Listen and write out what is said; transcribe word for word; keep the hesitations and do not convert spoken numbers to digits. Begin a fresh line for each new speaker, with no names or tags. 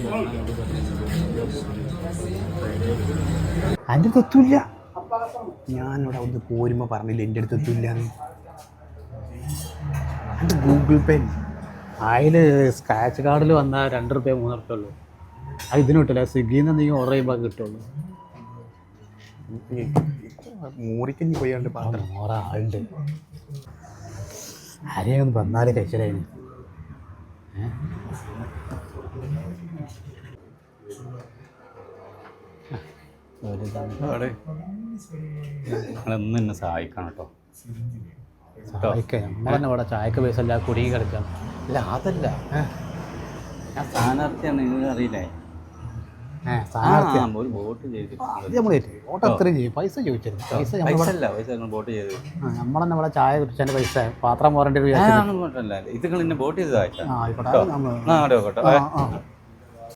എൻ്റെ അടുത്ത് എത്തൂല്ല. ഞാനിവിടെ അവിടുന്ന് പോരുമ്പോൾ പറഞ്ഞില്ല എൻ്റെ അടുത്ത് എത്തൂല്ല. എൻ്റെ ഗൂഗിൾ പേ അതിൽ സ്ക്രാച്ച് കാർഡിൽ വന്നാൽ രണ്ട് റുപ്യ മൂന്ന് റുപ്യ ഉള്ളൂ. അത് ഇതിന് കിട്ടില്ല. സ്വിഗ്ഗിയിൽ നിന്ന് എന്തെങ്കിലും ഓർഡർ ചെയ്യുമ്പോൾ കിട്ടുള്ളൂ. മൂറിക്കഞ്ഞി പോയാണ്ട് പറഞ്ഞു മോറ ആളുണ്ട്. ആരെയൊന്ന് വന്നാലേ കഴിച്ചതായിരുന്നു.
നിങ്ങളൊന്നും എന്നെ സഹായിക്കണം കേട്ടോ.
സഹായിക്കാം. നമ്മൾ തന്നെ ഇവിടെ ചായക്ക് പൈസ അല്ല കുടുങ്ങി കിടക്കാം.
ഇല്ല അതല്ല, ഞാൻ സ്ഥാനാർത്ഥിയാണ്, നിങ്ങൾ അറിയില്ലേ? ഒരു വോട്ട്
വോട്ട് അത്രയും ചെയ്യും. പൈസ ചോദിച്ചിരുന്നു. പൈസ
പൈസ പൈസ വോട്ട് ചെയ്ത്
നമ്മളെന്നെ ഇവിടെ ചായ കുടിച്ചതിൻ്റെ പൈസ പാത്രം പോരേണ്ടി
ഇത് നിങ്ങൾ എന്നെ വോട്ട് ചെയ്ത്
ആയിക്കോട്ടെ.